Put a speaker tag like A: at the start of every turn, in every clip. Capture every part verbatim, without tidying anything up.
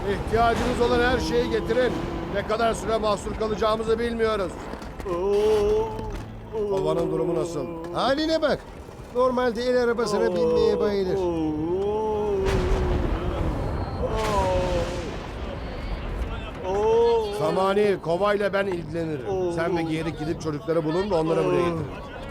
A: İhtiyacımız olan her şeyi getirin. Ne kadar süre mahsur kalacağımızı bilmiyoruz. Kovanın durumu nasıl?
B: Haline bak. Normalde el arabasına binmeye bayılır.
A: Samani, kovayla ben ilgilenirim. Sen ve Geyirik gidip çocukları bulun da onları buraya getirin.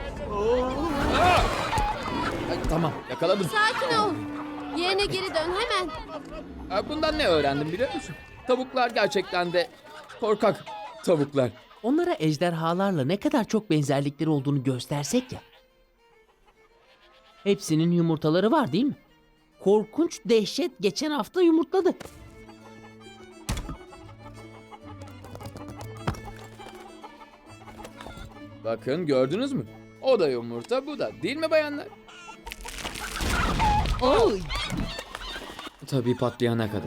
C: Ay, tamam, yakaladım.
D: Sakin ol. Yerine geri dön hemen.
C: Ay, bundan ne öğrendim biliyor musun? Tavuklar gerçekten de korkak tavuklar.
E: Onlara ejderhalarla ne kadar çok benzerlikleri olduğunu göstersek ya. Hepsinin yumurtaları var değil mi? Korkunç dehşet geçen hafta yumurtladı.
C: Bakın gördünüz mü? O da yumurta, bu da. Değil mi bayanlar? Oy! Tabii patlayana kadar.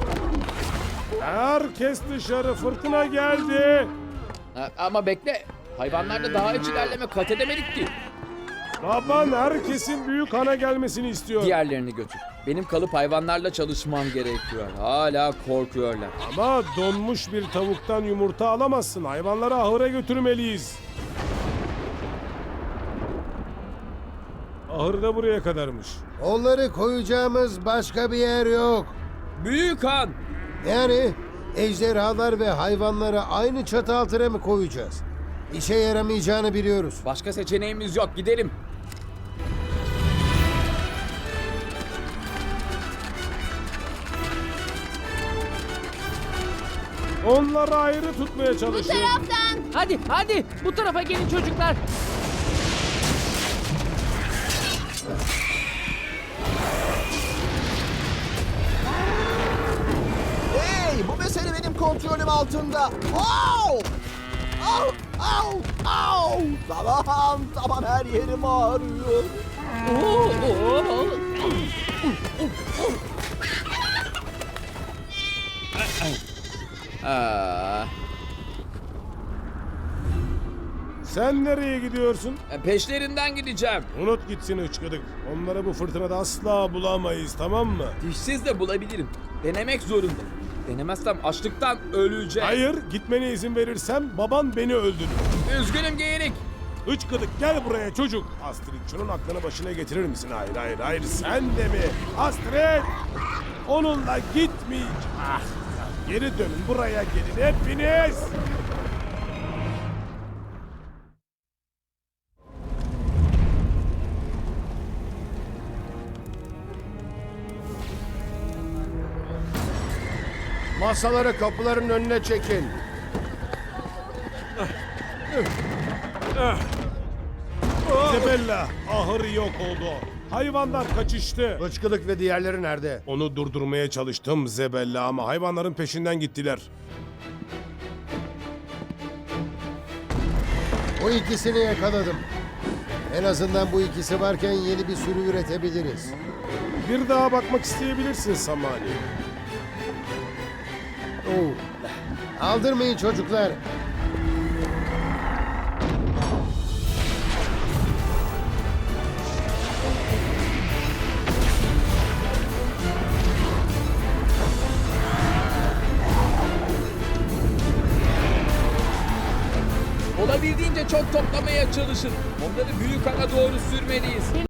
F: Herkes dışarı, fırtına geldi.
C: Ha, ama bekle. Hayvanlarda daha hiç ilerleme kat edemedik ki.
F: Baban herkesin büyük ana gelmesini istiyor.
C: Diğerlerini götür. Benim kalıp hayvanlarla çalışmam gerekiyor. Hala korkuyorlar.
F: Ama donmuş bir tavuktan yumurta alamazsın. Hayvanları ahıra götürmeliyiz. Ahır da buraya kadarmış.
B: Onları koyacağımız başka bir yer yok.
C: Büyük Han!
B: Yani ejderhalar ve hayvanları aynı çatı altına mı koyacağız? İşe yaramayacağını biliyoruz.
C: Başka seçeneğimiz yok. Gidelim.
F: Onları ayrı tutmaya
D: Bu
F: çalışın.
D: taraftan.
E: Hadi hadi bu tarafa gelin çocuklar.
G: Hey, bu mesele benim kontrolüm altında. Au! Au! Au! Au! Tamam, tamam her yerim ağrıyor.
E: Oo, oo.
C: Aa,
F: Sen nereye gidiyorsun?
C: peşlerinden gideceğim.
F: Unut gitsin hıçkıdık. Onları bu fırtınada asla bulamayız, tamam mı?
C: Dişsiz de bulabilirim. Denemek zorunda. Denemezsem açlıktan öleceğim.
F: Hayır, gitmene izin verirsem baban beni öldürür.
C: Üzgünüm Geyirik.
F: Hıçkıdık gel buraya çocuk. Astrid şunun aklını başına getirir misin? Hayır hayır hayır sen de mi? Astrid! Onunla gitmeyeceğim. Ah, geri dönün buraya gelin hepiniz.
A: Masaları kapıların önüne çekin.
F: Isabella, ahır yok oldu. Hayvanlar kaçıştı.
A: Bıçkılık ve diğerleri nerede?
F: Onu durdurmaya çalıştım Zebella ama hayvanların peşinden gittiler.
B: O ikisini yakaladım. En azından bu ikisi varken yeni bir sürü üretebiliriz.
F: Bir daha bakmak isteyebilirsin Samani.
B: Oo. Aldırmayın çocuklar.
C: Olabildiğince çok toplamaya çalışın. Onları büyük ana doğru sürmeliyiz.